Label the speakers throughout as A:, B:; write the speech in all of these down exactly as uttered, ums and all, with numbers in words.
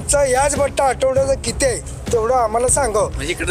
A: तुमचा याच बट्टा आठवड्याचा किती आहे तेवढं आम्हाला सांगा.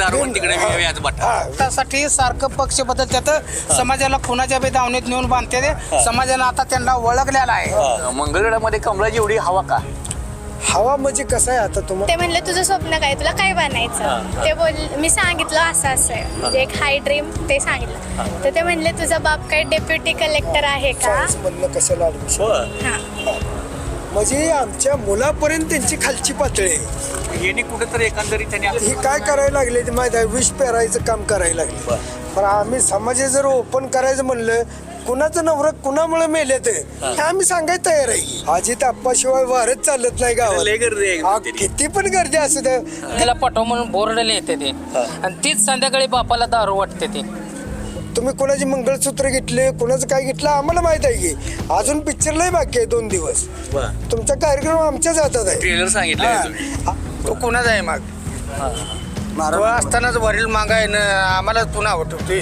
B: त्यासाठी सारखं पक्ष बदलतात, समाजाला खुनाच्या बेदावणीत नेऊन बांधते ते. समाजानं आता त्यांना ओळखलेला आहे.
C: मंगळवेढ्यामध्ये कमळाची एवढी हवा का?
A: हवा म्हणजे कसं आहे आता तुम्हाला?
D: ते म्हणले तुझं स्वप्न काय, तुला काय बनायचं? ते बोल मी सांगितलं असं असं आहे, म्हणजे एक हाय ड्रीम ते सांगितलं. तर ते म्हणले तुझा बाप काय डेप्युटी कलेक्टर आहे का?
A: सायन्स मधलं कशाला ऍडमिशन?
D: हा.
A: म्हणजे आमच्या मुलापर्यंत त्यांची खालची पातळी आहे.
C: यांनी कुठेतरी एकंदरीत त्यांनी
A: ही काय करायला लागले ते माहिती आहे, विष पेरायचं काम करायला लागले. पण आम्ही समाज जर ओपन करायचं म्हणलं, कुणाचं नवरं कुणामुळे मेले ते हे आम्ही सांगायला तयार आहे. अजित आप्पाशिवाय वारच चालत नाही गावात.
C: लय गर्दी आहे
A: आ,
C: तिथे.
A: किती पण गर्दी असू द्या.
B: त्याला पटव म्हणून बोर्डले येते ते, आणि तीच संध्याकाळी बापाला दारू वाटते ते.
A: तुम्ही कोणाचे मंगळसूत्र घेतले, कोणाचं काय घेतलं आम्हाला माहित आहे की. अजून पिक्चरलाही बाकी आहे दोन दिवस. तुमचा कार्यक्रम आमच्याच हातात आहे.
C: ट्रेलर सांगितलं
B: तो कोणाचा आहे माग? तो असतानाच वरील मागाय ना आम्हाला तू नाव ठेवतोय.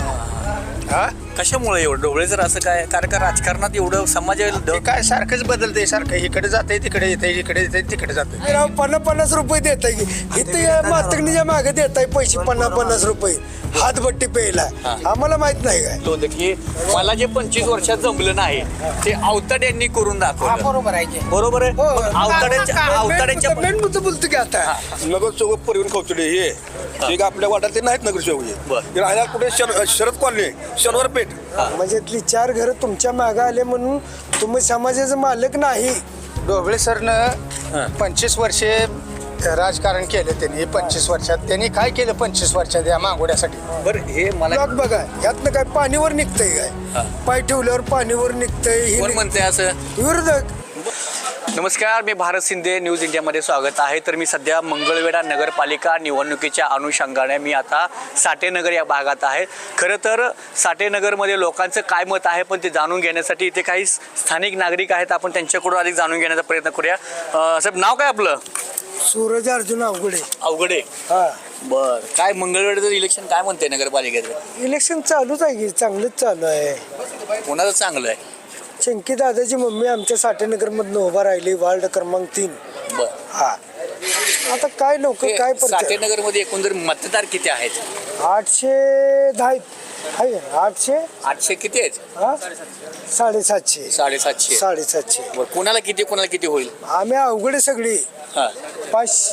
B: हा
C: कशामुळे एवढं ढोबळे जर असं काय कारण का राजकारणात एवढं समाज
B: ते काय सारखंच बदलते, सारखं इकडे जाते तिकडे येते, इकडे येते तिकडे जाते.
A: राव पन्नास पन्नास रुपये देत आहे की इथे या मातंगणीच्या मागे देत आहे पैसे पन्नास पन्नास रुपये हातभट्टी प्यायला. आम्हाला माहित नाही काय
C: तो की मला जे पंचवीस वर्षात जमलं नाही ते अवताड यांनी करून दाखवलं.
B: बरोबर आहे की.
C: बरोबर आहे. अवताड्यांच्या अवताड्यांच्या
A: मेन मुद्दा बोलतो की आता
E: नगरसेवक परिवहन कौतुडे हे ते आपल्या वाड्यात ते नाहीत नगरसेवक. हे राहिला कुठे शर- शरद कॉलनी शनिवार पेठ.
A: म्हणजे इथली चार घर तुमच्या मागे आले म्हणून तुम्ही समाजाचा मालक नाही.
B: ढोबळे सरनं पंचवीस वर्षे राजकारण केलं त्यांनी. पंचवीस वर्षात त्यांनी काय केलं पंचवीस वर्षात या मागोड्यासाठी?
C: बरं हे मला
A: ब्लॉक बघा यातनं काय पाणीवर निघतंय काय? पाय ठेवल्यावर पाणीवर निघतंय. हे
C: कोण
A: निघ-
C: म्हणते असं?
A: विरोधक.
C: नमस्कार, मी भारत शिंदे, न्यूज इंडियामध्ये स्वागत आहे. तर मी सध्या मंगळवेढा नगरपालिका निवडणुकीच्या अनुषंगाने मी आता साठेनगर या भागात आहे. खरं तर साठेनगरमध्ये लोकांचं काय मत आहे पण ते जाणून घेण्यासाठी इथे काही स्थानिक नागरिक आहेत. आपण त्यांच्याकडून अधिक जाणून घेण्याचा प्रयत्न करूया. अं, साहेब नाव काय आपलं?
A: सूरज अर्जुन अवघडे.
C: अवघडे.
A: हा
C: बर काय मंगळवेढ्याचं इलेक्शन काय म्हणते नगरपालिकेचं?
A: इलेक्शन चालूच आहे की चांगलंच चालू आहे.
C: कोणाचं चांगलं आहे?
A: चंकी दादाची मम्मी आमच्या साठेनगर मधनं उभा राहिली वार्ड क्रमांक तीन.
C: बर
A: हा आता काय लोक काय परत
C: साठेनगर मध्ये एकंदर मतदार किती आहेत?
A: आठशे दहा आहेत. आहे ना? आठशे
C: आठशे किती आहेत?
A: हा साडेसातशे
C: साडेसातशे.
A: साडेसातशे.
C: बर कोणाला किती कोणाला किती होईल?
A: आम्ही अवघडे सगळी
C: हा
A: पाच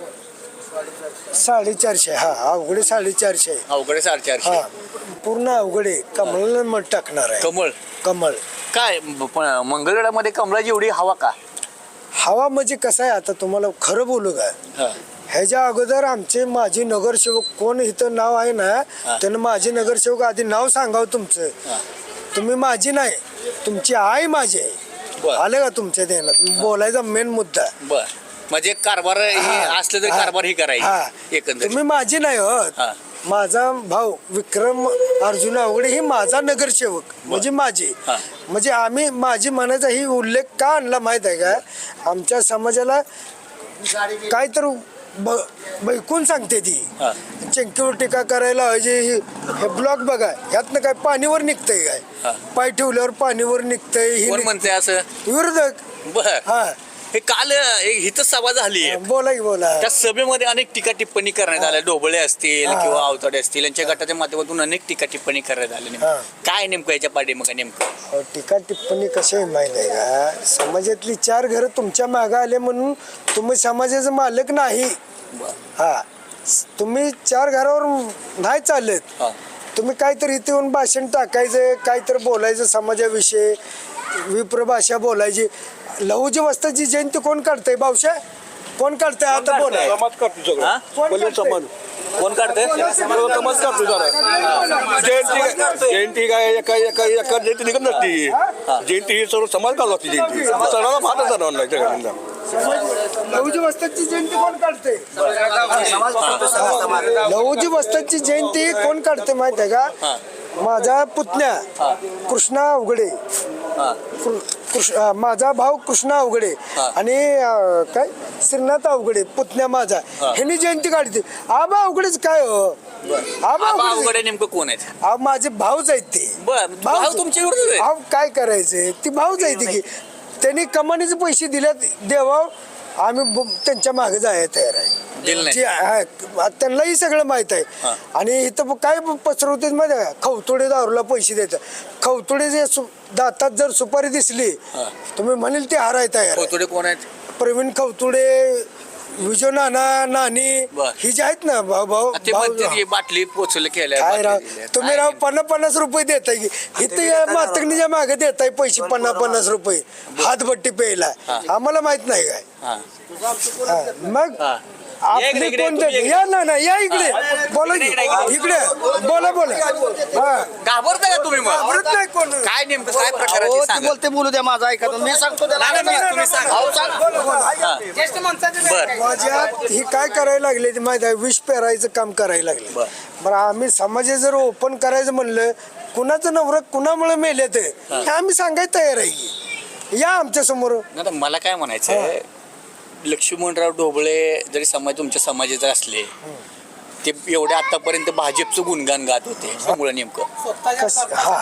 A: साडेचारशे. हा अवघडे साडेचारशे.
C: अवघडे साडेचारशे.
A: हा पूर्ण अवघडे कमळाला मत टाकणार आहे.
C: कमळ.
A: कमळ.
C: काय मंगळवेढ्यामध्ये कमळाची एवढी हवा का?
A: हवा म्हणजे कसं आहे आता तुम्हाला खरं बोलू का,
C: हा.
A: ह्याच्या अगोदर आमचे माजी नगरसेवक कोण इथं नाव आहे ना त्यानं माझे नगरसेवक आधी नाव सांगावं तुमचं. तुम्ही माझी नाही तुमची आई माझी आहे.
C: बर.
A: आलं का तुमच्या ध्यानात? बोलायचा मेन मुद्दा.
C: बर म्हणजे कारभार हे असलं तरी कारभार ही
A: हा.
C: करायची एकंदरीत.
A: तुम्ही माझी नाही हो.
C: हा.
A: माझा भाऊ विक्रम अर्जुन अवघडे ही माझा नगरसेवक म्हणजे माझी.
C: हा.
A: म्हणजे आम्ही माझी म्हणायचा ही उल्लेख का आणला माहित आहे का? आमच्या समाजाला काय तर बैकून सांगते ती
C: हा.
A: चंकीवर टीका करायला हजे. हे ब्लॉक बघा यातनं काय पाणीवर निघतंय
C: हा.
A: काय? पाय ठेवल्यावर पाणीवर निघतंय. ही
C: कोण
A: निघ-
C: म्हणते असं?
A: विरोधक.
C: बर
A: हा
C: हे काल एक हिथं सभा झाली.
A: बोला की बोला.
C: त्या सभेमध्ये अनेक टीका टिप्पणी करण्यात आल्या. ढोबळे असतील
A: हा.
C: किंवा अवताडे असतील यांच्या गटाच्या माध्यमातून अनेक टीका टिप्पणी करण्यात आल्या.
A: हा.
C: काय नेमकं याच्या पाठीमागे नेमकं?
A: अहो, टीका टिप्पणी कशी आहे माहिती आहे का? समाजातली चार घरं तुमच्या मागे आले म्हणून तुम्ही समाजाचा मालक नाही. हा तुम्ही चार घरावर नाही चालत.
C: हा.
A: तुम्ही काहीतरी इथे येऊन भाषण टाकायचं, काहीतरी बोलायचं समाजाविषयी, विप्र भाषा बोलायची. लहुजी वस्ताची जयंती कोण काढतंय? भाऊशा कोण काढतंय? आता बोला.
E: समाज काढतो सगळं.
C: हा?
A: कोण
E: पहिले
A: काढतंय?
E: समाज
C: कोण काढते?
E: सर्व समाज काढतो जरा. जयंती जयंती काय एका एका एका जयंती निघत नसती. जयंती ही सर्व समाज काढतो लागते. जयंती सणाला भात सणाला जगांना.
A: लहुजी वस्ताची जयंती कोण काढते? लहुजी वस्ताची जयंती कोण काढते माहिती आहे का? माझा पुतण्या कृष्णा अवघडे. कृ- कृष्ण अं, माझा भाऊ कृष्णा अवघडे आणि अं, काय श्रीनाथ अवघडे पुतण्या माझा ह्यांनी जयंती काढते. आबा अवघडेच काय हो? आबा
C: आबा
A: अवघडे
C: अवघडे नेमकं कोण आहेत?
A: अहो, माझे भाऊच आहेत ते.
C: बर भाऊ तुमच्या विरोधात आहेत?
A: अहो, काय करायचंय? ती भाऊच आहे ती की त्यांनी कमानीचे पैसे दिल्यात देवा आम्ही ब- त्यांच्या मागे जायला तयार आहे
C: दिलं नाही.
A: जे आहे, त्यांनाही सगळं माहित आहे. आणि इथं काय पसरवते माहिती आहे का? खवतोडे दारूला पैसे देतात. खवतोडे जे सु- दातात जर सुपारी दिसली तुम्ही म्हणेल ते हाराय तयार आहे.
C: थोडे कोण आहेत?
A: प्रवीण खवतोडे, विजय नाना, नानी
C: बर.
A: ही जे आहेत ना भाऊ भाऊ
C: ते
A: भाऊ-
C: म्हणतात की बाटली पोचले केल्या
A: काय राव
C: बाटली दिल्या.
A: तुम्ही
C: काय
A: राव पन्नास पन्नास रुपये देताय की इथं मातंगणीच्या मागे देताय पैसे पन्नास पन्नास रुपये हातभट्टी प्यायला आम्हाला माहित नाही काय
C: हा.
A: हा, मग
C: हा. या
A: आपली
C: इकडे, इकडे,
A: कोण
C: तुम्ही
A: देते?
C: इकडे.
A: या ना ना या इकडे बोला की.
C: इकडे, इकडे.
A: इकडे बोला बोला हा
C: घाबरता का तुम्ही मग
A: आवडत नाही कोण
C: काय नेमकं काय प्रकार आहे
B: हो,
C: ते
B: ते
C: सांगा.
B: बोलते बोलू द्या माझा ऐका तुम्ही. मी सांगतो त्याला.
C: नाही, नाही, तुम्ही सांगा.
B: अहो, सांगा.
C: हा.
B: ज्येष्ठ माणसाचं
C: बर
A: माझ्यात ही काय करायला लागले ते माहिती आहे विष पेरायचं काम करायला लागले
C: बर.
A: बरं आम्ही समाज जर ओपन करायचं म्हणलं कुणाचं नवरं कुणामुळे मेले ते हे आम्ही सांगायला तयार आहे की. या आमच्या समोर
C: नाही तर मला काय म्हणायचं लक्ष्मणराव ढोबळे जरी समाज तुमच्या समाजाचे असले ते एवढे आतापर्यंत भाजपचं गुणगान गात होते त्यामुळे नेमकं
A: कस- हा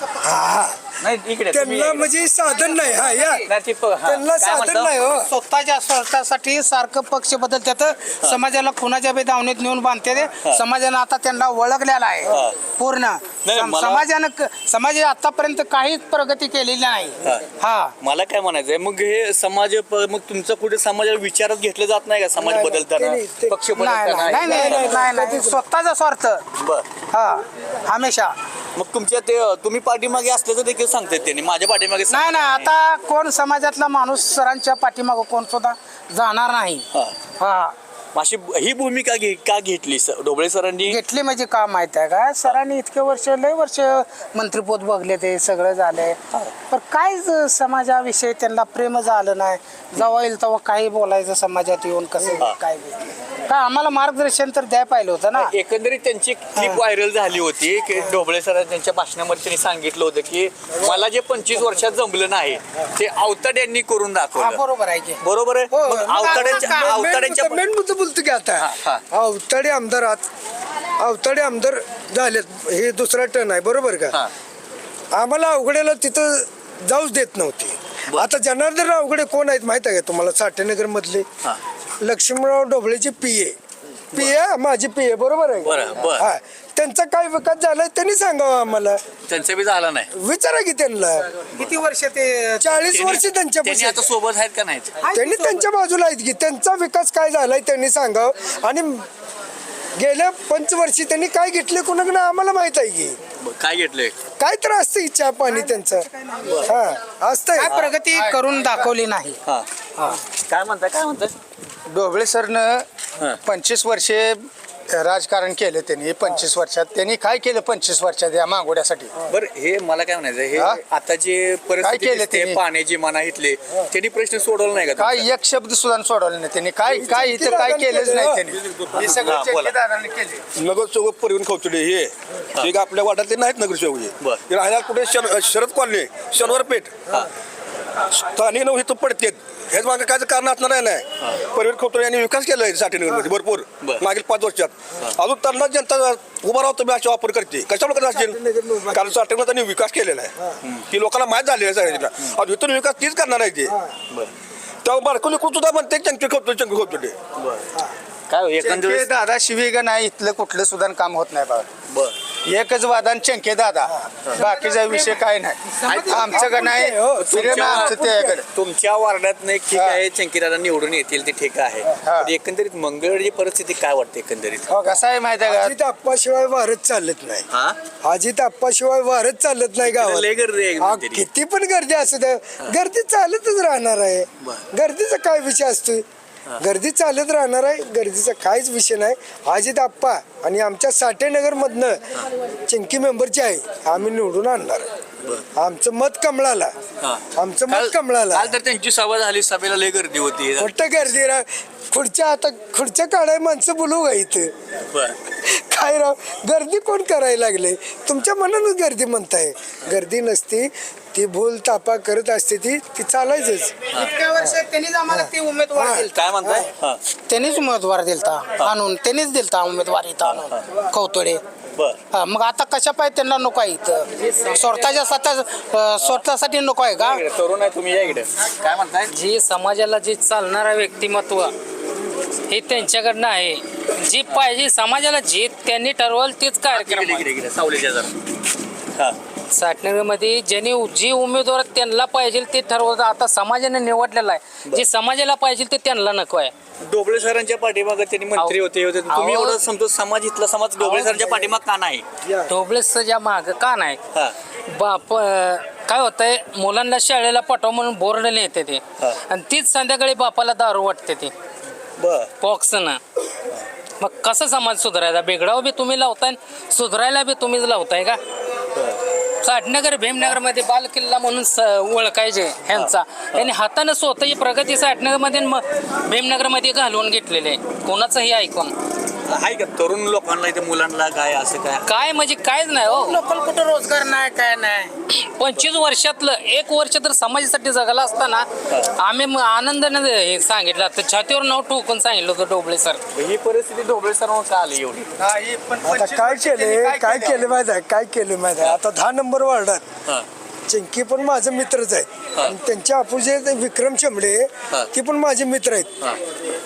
A: हा
C: नाही इकडे तुम्ही
A: त्यांना
C: इकडे.
A: म्हणजे साधन नाही हा या
C: नाही, ते प- हा.
A: त्यांना
C: काय
A: साधन
C: म्हणता?
A: नाही हो
B: स्वतःच्या स्वार्थासाठी सारखं पक्ष बदलतात समाजाला कुणाच्या बी दावणीत नेऊन बांधते ते. समाजानं आता त्यांना ओळखलेला आहे पूर्ण
C: नाही,
B: सम-
C: मला-
B: समाजानं क- समाजाने आतापर्यंत काहीच प्रगती केलेली नाही हा
C: मला काय म्हणायचंय मग हे समाज प- मग तुमचं कुठे समाजाला विचारात घेतलं जात नाही का समाज
A: नाही,
C: बदलताना
A: नाही, ते-
C: पक्ष
B: नाही नाही
C: बदलताना
B: नाही नाही नाही नाही स्वतःचा स्वार्थ
C: बर
B: हा हमेशा
C: मग तुमच्या ते तुम्ही पाठीमागे असल्याचं देखील सांगतात त्यांनी माझ्या पाठीमागे
B: नाही नाही आता कोण समाजातला माणूस सरांच्या पाठीमागं कोण सुद्धा जाणार नाही
C: हा.
B: हा
C: अशी ही भूमिका घे का घेतली स- ढोबळे सरांनी
B: घेतली म्हणजे का माहित आहे का सरांनी इतके वर्ष लय वर्ष मंत्रिपद बघले ते सगळं झालंय पण काय ज- समाजाविषयी त्यांना प्रेम झालं नाही जेव्हा येईल तेव्हा काही बोलायचं समाजात येऊन कसं काय बी. का आम्हाला मार्गदर्शन तर द्याय पाहिलं होतं ना
C: एकंदरीत त्यांची क्लिप व्हायरल झाली होती की ढोबळे सर त्यांच्या भाषणामध्ये त्यांनी सांगितलं होतं की मला जे पंचवीस वर्षात जमलं नाही ते अवताड यांनी करून
B: हा
C: दाखवलं
B: बरोबर आहे की
C: बरोबर आहे
B: हो,
C: मग
B: मग
C: अवताड्यांच्या
B: आता काय?
C: अवताड्यांच्या
A: मेन मुद्दा बोलतो की आता
C: हा, हा.
A: अवताडे आमदार आत अवताडे आमदार झालेत हे दुसरा टर्न आहे बरोबर का
C: हा.
A: आम्हाला अवघडेला तिथं जाऊच देत नव्हती
C: बर.
A: आता जनार्दन अवघडे कोण आहेत माहित आहे का तुम्हाला साठेनगर मधले
C: हा.
A: लक्ष्मणराव ढोबळेचे पी ए पी ए माझी पी ए बरोबर आहे
C: बरं, बरं.
A: हा त्यांचा काय विकास झालाय त्यांनी सांगावं आम्हाला
C: त्यांचं बी झालं नाही
A: विचारा की त्यांना
B: किती वर्ष ते
A: चाळीस वर्ष
C: त्यांनी
A: त्यांच्या
C: आता सोबत आहेत का नाही
A: त्यांनी त्यांच्या बाजूला आहेत की त्यांचा विकास काय झालाय त्यांनी सांगावं आणि गेल्या पंचवर्षी त्यांनी काय घेतले कोणाकडे आम्हाला माहित आहे की
C: काय घेतलंय
A: काय तर असतं इच्छा पाणी त्यांचं हा असतंय
B: काय प्रगती करून दाखवली नाही
C: हा काय म्हणताय काय म्हणताय
B: ढोबळे सरनं पंचवीस वर्षे राजकारण केलं त्यांनी पंचवीस वर्षात त्यांनी काय केलं पंचवीस वर्षात या मागोड्यासाठी
C: बरं हे मला काय म्हणायचं हे
B: हा?
C: आता जे परिस्थिती
B: केलं
C: दिसते,
B: त्यांनी?
C: पाण्याची मना इथले त्यांनी प्रश्न सोडवला नाही का
B: काय एक शब्द सुद्धा सोडवलं नाही त्यांनी काय काय इथं काय केलंच नाही त्यांनी हे
C: हा,
B: सगळं
C: बोला.
B: ठेकेदारांनी केले
E: नगरसेवक परिवहन खवतडे हे हे का आपल्या वाड्यातले नाहीत नगरसेवक हे.
C: बर.
E: हे राहिला कुठे शर- शरद कॉलनी शनिवार पेठ स्थानिक नऊ इथं पडतेत हेच मागे काय कारण असणार आहे नाही परिवहन खवतडे यांनी विकास केलाय साठेनगरमध्ये भरपूर
C: बर.
E: मागील पाच वर्षात अजून त्यांना जनता उभा राहतो मी असा वापर करते कशामुळे करत असतील कारण साठेनगर त्यांनी विकास केलेला आहे की लोकांना माहीत झालेलं आहे सगळ्यांना. अजून इथून विकास तीच करणार आहे ते तेव्हा बारकोली सुद्धा म्हणते चंकी खवतडे चंकी खवतडे
C: काय एकंदरीत
B: दादा शिवीगा नाही इथलं कुठलं सुद्धा काम होत नाही बाबा
C: बर
B: एकच वादन चंके दादा बाकीचा विषय काय नाही आमचं का नाही फिरणं आमचं त्याकडे
C: तुमच्या वार्डात नाही ठीक आहे चंकीदादा निवडून येतील ते ठीक आहे पण एकंदरीत मंगळवारची परिस्थिती काय वाटते एकंदरीत
B: हो कसं आहे माहिती आहे
A: अजित आप्पाशिवाय वारच चालत नाही
C: हा
A: अजित आप्पाशिवाय वारच चालत नाही गावात
C: लय गर्दी आहे
A: हा,
C: एकदम तरी.
A: किती पण गर्दी असू द्या गर्दी चालतच राहणार आहे
C: बरं.
A: गर्दीचा काय विषय असतोय गर्दी चालत राहणार आहे गर्दीचा काहीच विषय नाही अजित आप्पा आणि आमच्या साठेनगर मधनं चिंकी मेंबरची आहे आम्ही निवडून आणणार आमचं मत कमळाला
C: हा.
A: आमचं
C: काल
A: मत कमळाला
C: काल तर त्यांची सभा झाली सभेला लय गर्दी होती
A: मोठं गर्दी राह खुर्च्या आता खुर्च्या काढाय माणसं बोलू का इथं
C: बर
A: काय राव गर्दी कोण करायला लागले तुमच्या मनानच गर्दी म्हणताय गर्दी नसती ती भूल तापा करत असते ती ती चालायचंच
B: इतक्या वर्ष त्यांनीच आम्हाला ते उमेदवार
A: हा.
B: दिले
C: काय म्हणताय हा
B: त्यांनीच उमेदवार दिलता आणून त्यांनीच दिलता उमेदवार इथं आणून कौतोडे
C: बर
B: हा, मग आता कशा पाहिजे त्यांना नको आहे इथं स्वतःच्या स्वतः अं, स्वतःसाठी नको आहे का
C: इकडे तरुण आहे तुम्ही या इकडे काय म्हणताय
F: जे समाजाला जे चालणारं व्यक्तिमत्व हे त्यांच्याकडनं आहे. जे पाहिजे समाजाला जे त्यांनी ठरवलं तेच कार्यक्रम
C: इकडे
F: आहे.
C: इकडे इकडे सावलीच्या जरा हा
F: साठनगरमध्ये ज्यांनी जे उमेदवार त्यांना पाहिजे ते ठरवलं. आता समाजाने निवडलेलं आहे. जे समाजाला पाहिजे ते त्यांना नको आहे.
C: डोबळे सरांच्या पाठीमागं त्यांनी मंत्री होते हे होते तुम्ही
F: अहो.
C: एवढं समजतो समाज इथला समाज डोबळे सरांच्या पाठीमाग का नाही
F: ढोबळेच्या माग का नाही
C: हा
F: बाप काय होतंय मुलांना शाळेला पाठवा म्हणून बोर्ड येते ते
C: हा.
F: आणि तीच संध्याकाळी बापाला दारू वाटते ती
C: बर
F: पॉक्सनं. मग कसं समाज सुधारायचा? बेगडाव बी तुम्ही लावताय सुधारायला बी तुम्हीच लावताय का? साठनगर भीमनगरमध्ये बाल किल्ला म्हणून स ओळखायचे ह्यांचा त्यांनी हाताने स्वतःची प्रगती साठनगरमध्ये आणि मग भीमनगरमध्ये घालवून घेतलेले आहे. कोणाचंही ऐकून
C: आहे का तरुण लोकांना इथे मुलांना काय असं काय
F: काय म्हणजे कायच नाही हो.
B: लोकल कुठं रोजगार नाही काय नाही
F: पंचवीस वर्षातलं एक वर्ष तर समाजासाठी जगाला असताना आम्ही मग आनंदाने हे सांगितलं तर छातीवर नाव ठोकून सांगितलं होतं डोबळे सर.
C: ही परिस्थिती डोबळे सर का आली एवढी
A: आता काय केले काय केलं माहिती आहे काय केलं माहिती आहे आता दहा नंबर वार्डात
C: हा
A: चिंकी पण माझे मित्रच आहेत आणि त्यांच्या अपोजिट विक्रम शेंबडे
C: हा.
A: ती पण माझे मित्र आहेत.
C: हा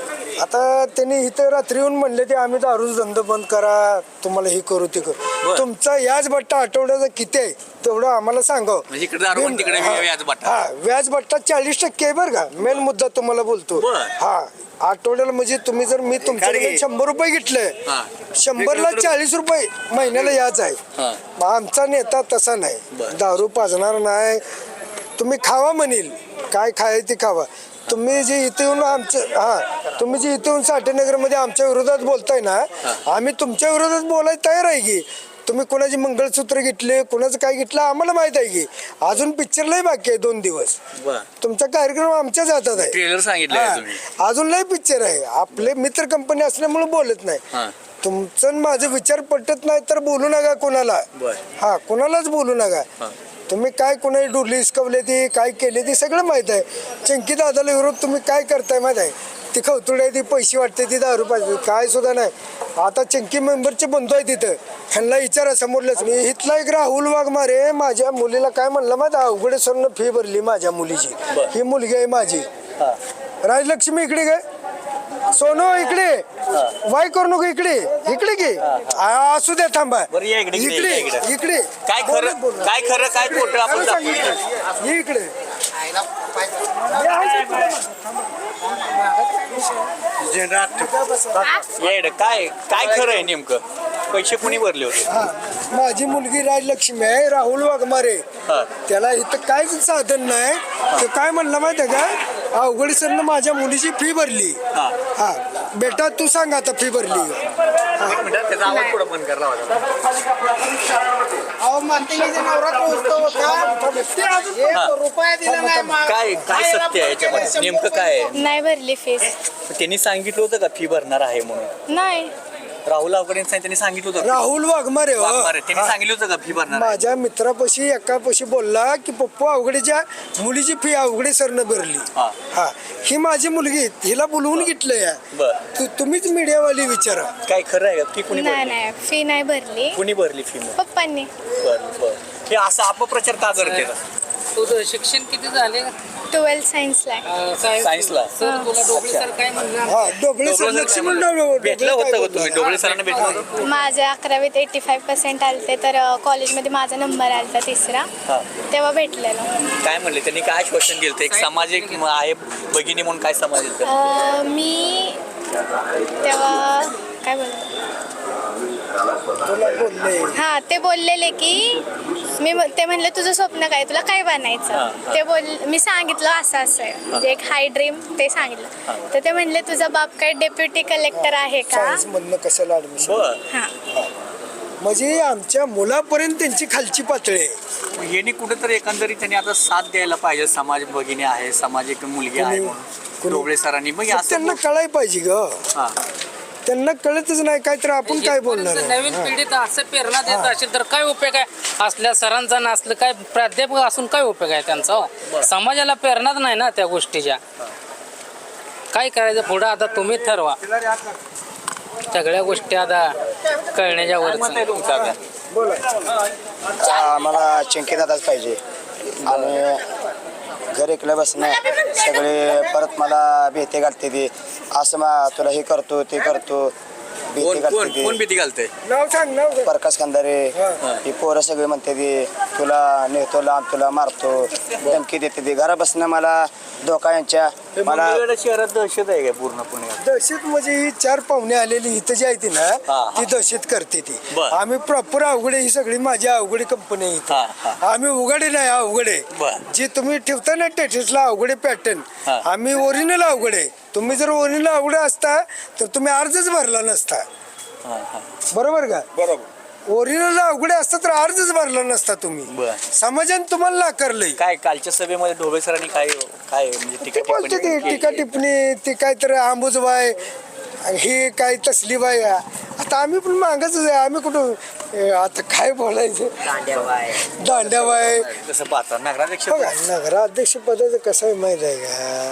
A: आता त्यांनी इथं रात्री येऊन म्हणले ते आम्ही दारूचा धंदा बंद करा तुम्हाला हे करू ते करू
C: बर.
A: तुमचा याच बट्टा आठवड्याचा किती आहे तेवढं आम्हाला सांगावं.
C: म्हणजे इकडे दारू आणि तिकडे
A: हा,
C: व्याज बट्टा.
A: हा व्याज बट्टा चाळीस टक्के आहे बरं का मेन मुद्दा तुम्हाला बोलतो.
C: बर.
A: हा आठवड्याला म्हणजे तुम्ही जर मी तुमच्याकडे शंभर रुपये घेतले
C: हा.
A: शंभरला चाळीस रुपये महिन्याला याच आहे.
C: हा.
A: मग आमचा नेता तसा नाही
C: बर.
A: दारू पाजणार नाही तुम्ही खावा म्हणेल काय खाय ते खावा. तुम्ही जे इथे येऊन आमचं हा तुम्ही जे इथे येऊन साठेनगरमध्ये आमच्या विरोधात बोलताय ना आम्ही तुमच्या विरोधात बोलायला तयार आहे की तुम्ही कोणाची मंगळसूत्र घेतले कोणाचं काय घेतलं आम्हाला माहित आहे की अजून पिक्चरलाही बाकी आहे दोन दिवस
C: बर
A: तुमचा कार्यक्रम आमच्याच हातात आहे.
C: ट्रेलर सांगितलं
A: हा,
C: तुम्ही
A: अजून लय पिक्चर आहे आपले मित्र कंपनी असल्यामुळे बोलत नाही.
C: हा
A: तुमचं आणि माझं विचार पटत नाही तर बोलू नका कोणाला.
C: बर
A: हा कोणालाच बोलू नका.
C: हा.
A: तुम्ही काय कोणाची डुरली हिसकवले ती काय केले ती सगळं माहित आहे. चंकी दादाला विरोध तुम्ही काय करताय माहित आहे ती खवतुड आहे ती पैसे वाटते ती दारू पाहिजे काय सुद्धा नाही. आता चंकी मेंबरचे बंधू आहे तिथं ह्यांना विचारा समोरलंच मी इथला एक राहुल वाघमारे माझ्या मुलीला काय म्हणलं माहिती अवघडे सरनं फी भरली माझ्या मुलीची ही मुलगी आहे माझी
C: हा
A: राजलक्ष्मी इकडे काय सोनू इकडे वाय करू नको इकडे इकडे घे असू द्या थांबा
C: बरं, या इकडे, इकडे,
A: इकडे
C: इकडे.
A: इकडे
C: काय खरं
A: बोलत, बोलत.
C: काय खरं काय खोटं आपण
A: खरं
C: दाखवू.
A: सांगितलं. ये इकडे
C: या इकडे. काय काय खरं आहे नेमकं पैसे कुणी भरले होते
A: हा माझी मुलगी राजलक्ष्मी आहे राहुल वाघमारे
C: हा.
A: त्याला इथं काहीच साधन नाही तो काय म्हणलं माहिती आहे का अवघड सरनं माझ्या मुलीची फी भरली.
C: हा.
A: हा बेटा तू सांग आता फी भरली.
C: एक मिनिट त्याचा आवाज थोडा बंद करला होता
B: अहो मातेचा नवरात्र उत्सव होता ते अजून एक रुपया दिला नाही मा-
C: काय काय सत्य आहे याच्यामध्ये नेमकं काय आहे
D: नाही भरली फीस
C: त्यांनी सांगितलं होतं का फी भरणार आहे म्हणून
D: नाही
C: राहुल अवघडे त्यांनी सांगितलं होतं
A: राहुल वाघमारे हो.
C: वाघमारे, त्यांनी
A: हा.
C: सांगितलं होतं का फी भरणार आहे?
A: माझ्या मित्रापाशी एकापाशी बोलला की पप्पू अवघडेच्या मुलीची फी अवघडे सरनं भरली.
C: हा.
A: हा ही माझी मुलगी हिला बोलवून घेतलंय
C: बर
A: तू तुम्हीच मीडियावाली विचारा.
C: काय खरं आहे का फी कुणी
D: नाही
C: भरली
D: नाही फी नाही भरली
C: कुणी भरली फी मग
D: पप्पांनी.
C: बर बर हे असं अपप्रचार का करते
F: तुझं शिक्षण किती झाले?
D: ट्वेल्थ सायन्सला आहे.
F: अं, सायन्स.
C: सायन्सला
F: सर तुला डोबळे सर काय म्हणलं?
A: हा डोबळे सर लक्ष्मण डोबळे
C: भेटलं होतं का तुम्ही डोबळे सरांना भेटलं होतं
D: माझे अकरावीत एटी फाईव्ह पर्सेंट आलते तर कॉलेजमध्ये माझा नंबर आलता तिसरा
C: हा.
D: तेव्हा भेटलेलं.
C: काय म्हणले त्यांनी काय आश्वासन दिलं एक सामाजिक आहे भगिनी म्हणून काय समाज दिलं
D: अं, मी तेव्हा काय बोलतो
A: तुला बोलले
D: हा ते बोललेले की मी म- ते म्हणले तुझं स्वप्न काय तुला काय
C: हा,
D: बनायचं
C: हा.
D: ते बोल मी सांगितलं असं असं आहे म्हणजे एक हाय ड्रीम ते सांगितलं तर ते म्हणले तुझा बाप काय डेप्युटी कलेक्टर आहे का.
A: सायन्स मधनं कशाला ऍडमिशन
C: बर
D: हा
A: म्हणजे आमच्या मुलापर्यंत त्यांची खालची पातळी आहे.
C: यांनी कुठेतरी एकंदरीत त्यांनी आता साथ द्यायला पाहिजे समाज भगिनी आहे सामाजिक मुलगी आहे
A: कुणी-
C: म्हणून
A: कुणी-
C: डोबळे सरांनी मग
A: तर
C: असं
A: त्यांना कळायला पाहिजे ग
C: हा.
A: त्यांना कळतच नाही काय तर आपण काय बोलणार
F: इथपर्यंत
A: आहे?
F: नवीन
A: हा.
F: पिढीत असं प्रेरणा देत असेल तर काय उपयोग आहे असल्या सरांचा नसलं काय प्राध्यापक असून काय उपयोग आहे त्यांचा हो? समाजाला प्रेरणाच नाही ना त्या गोष्टीच्या. काय करायचं पुढं आता तुम्ही ठरवा सगळ्या गोष्टी आता कळण्याच्या
C: काय
F: वरच
C: मत आहे तुमचं आता?
G: आम्हाला चिंकीदादाच पाहिजे आणि घर एकलं बसणं सगळे परत मला भीती घालते ती असं मा तुला हे करतो ते करतो भीती
C: कोण कोण
G: घालते
C: कोण
G: ती
C: भीती घालते?
A: नाव सांग नाव सांग.
G: प्रकाश खंदारे ही पोरं सगळे म्हणते ती तुला नेतो लांब तुला मारतो धमकी देते ती घरा बसणं मला धोका यांच्या मला
C: मंगळवेढा शहरात दहशत आहे काय पूर्णपणे?
A: दहशत म्हणजे ही चार पाहुणे आलेली इथं जी आहे ती ना
C: हा.
A: ती दहशत करते ती
C: बर.
A: आम्ही प्रॉपर अवघडे ही सगळी माझी अवघडे कंपनी आहे
C: हा,
A: इथं आम्ही उघडे नाही अवघडे
C: बर.
A: जे तुम्ही ठेवता ना टेटसला अवघडे पॅटर्न
C: हा.
A: आम्ही ओरिजिनल अवघडे तुम्ही जर ओरिजिनल अवघडे असता तर तुम्ही अर्जच भरला नसता
C: हा, हा.
A: बरोबर का
E: बरोबर
A: ओरिजिनल अवघडे असता तर अर्जच भरला नसता तुम्ही
C: बर.
A: समाजाने तुम्हाला नाकारलंय
C: काय कालच्या सभेमध्ये ढोबळे सरांनी काय काय म्हणजे टीका
A: बोलते
C: टिप्पणी
A: ती टीका टिप्पणी ती काहीतरी आंबूजबाई ही काय तसली बाई आहे. आता आम्ही पण मागच आहे आम्ही कुठं ए, आता काय बोलायचं दांड्याबाई
C: कसं पाहता नगराध्यक्ष
A: बघा नगराध्यक्ष पदाचं कसं आहे माहित आहे का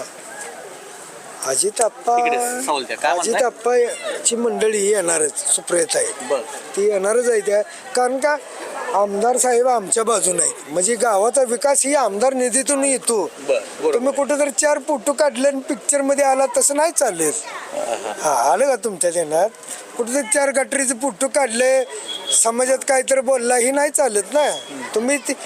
A: अजित आप्पा
C: तिकडे सावलत्या. काय म्हणताय?
A: अजित आप्पाची मंडळी ही येणारच सुप्रियता आहे
C: बर.
A: ती येणारच आहे त्या कारण का आमदार साहेब आमच्या बाजूने आहेत म्हणजे गावाचा विकास ही आमदार निधीतून येतो
C: बर, बरोबर.
A: तुम्ही कुठे जर चार फोटो काढले आणि पिक्चर मध्ये आला तसं नाही चालले हा आलं का तुमच्या ध्यानात कुठे जर चार गटरीचे फोटो काढले समाजात काहीतरी बोलला ही नाही चालत ना तुम्ही ती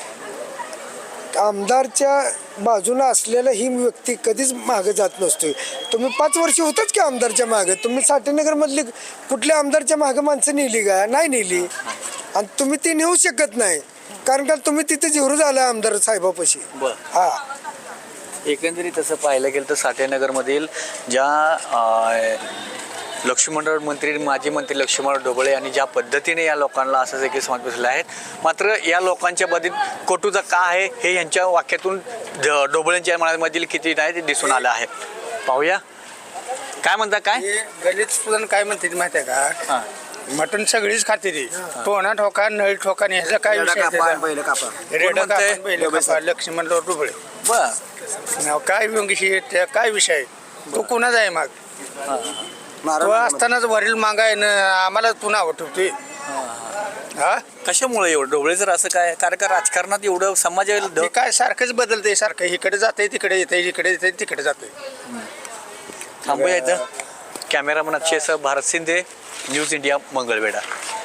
A: आमदारच्या बाजूला असलेला ही व्यक्ती कधीच मागे जात नसतो तुम्ही पाच वर्ष होतच की आमदारच्या मागे तुम्ही साठेनगर मधली कुठल्या आमदारच्या मागे माणसं नेली का नाही नेली आणि तुम्ही ती नेऊ शकत नाही कारण का तुम्ही तिथे जिरू झाला आमदार साहेबापाशी
C: बर.
A: हा
C: एकंदरीत तसं पाहायला गेलं तर साठेनगरमधील ज्या अं, लक्ष्मणराव मंत्री माजी मंत्री लक्ष्मणराव ढोबळे यांनी ज्या पद्धतीने या लोकांना असं देखील समज बसले आहेत मात्र या लोकांच्या बाबतीत कटुता का आहे हे यांच्या वाक्यातून ढ- ढोबळेंच्या मनामधील किती नाही ते दिसून आलं आहे पाहूया काय म्हणता काय
B: गलित सुद्धा काय म्हणते ती माहिती आहे
C: हा.
B: का मटण सगळीच खाते ती टोना ठोका नळी ठोका आणि ह्याचा काय विषय त्याचा?
G: पहिलं कापा
B: रेडा
C: म्हणतंय?
B: कापून बैल कापा, लक्ष्मणराव डुबळे
C: बर
B: नाव काय विषय त्या काय विषय आहे? तू कुणाचा आहे माग तो असतानाच वरील मागाय न आम्हाला तू नाव ठेवतोय हा
C: कशामुळे एवढं ढोबळे जर असं काय कारण का राजकारणात एवढं समाज
B: ते काय सारखंच बदलतंय सारखं इकडे जाते तिकडे येते इकडे येते तिकडे जाते
C: थांबूया इथं कॅमेरामन अक्षयसह भारत शिंदे न्यूज इंडिया मंगळवेढा